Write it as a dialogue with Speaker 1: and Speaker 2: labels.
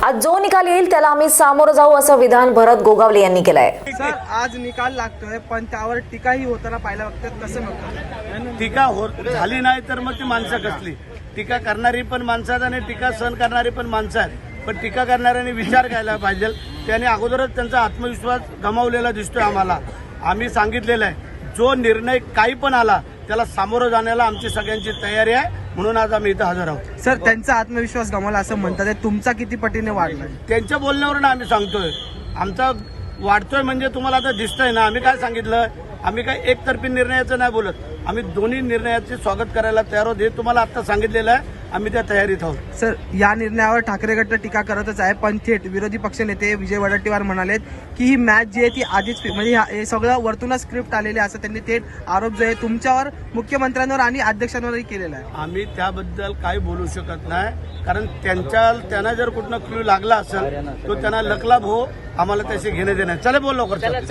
Speaker 1: आज जो निकाल येईल त्याला आम्ही सामोरं जाऊ असं विधान भरत गोगावले यांनी केलंय।
Speaker 2: सर, आज निकाल लागतोय पण त्यावर टीकाही होताना पाहायला बघतात, कसं बघतात?
Speaker 3: टीका झाली नाही तर मग ती माणसं कसली? टीका करणारी पण माणसं आहेत आणि टीका सहन करणारी पण माणसं आहेत, पण टीका करणाऱ्यांनी विचार करायला पाहिजे। त्याने अगोदरच त्यांचा आत्मविश्वास गमावलेला दिसतोय आम्हाला। आम्ही सांगितलेलं आहे, जो निर्णय काही पण आला त्याला सामोरं जाण्याला आमची सगळ्यांची तयारी आहे, म्हणून आज आम्ही इथं हजर आहोत।
Speaker 2: सर, त्यांचा आत्मविश्वास गमावला असं म्हणतात, तुमचा किती पटीने वाढला?
Speaker 3: त्यांच्या बोलण्यावरून आम्ही सांगतोय आमचा वाढतोय, म्हणजे तुम्हाला आता दिसतंय ना। आम्ही काय सांगितलं, आम्ही काय एकतर्फी निर्णयाचं नाही बोलत, आम्ही दोन्ही निर्णयाचे स्वागत करायला तयार आहोत। हे तुम्हाला आता सांगितलेलं आहे, आम्ही त्या तयारीत आहोत।
Speaker 2: सर, या निर्णयावर ठाकरे गट टीका करतच आहे, पण थेट विरोधी पक्षनेते विजय वडेट्टीवार म्हणालेत की ही मॅच जी आहे ती आधीच म्हणजे हे सगळं वरतूनच स्क्रिप्ट आलेले असं त्यांनी थेट आरोप जो आहे तुमच्यावर, मुख्यमंत्र्यांवर आणि अध्यक्षांवरही केलेला आहे।
Speaker 3: आम्ही त्याबद्दल काही बोलू शकत नाही, कारण त्यांना जर कुठनं क्लू लागला असेल तो त्यांना लकलाभ हो, आम्हाला त्याशी घेणे देणे। चले बोल लवकर.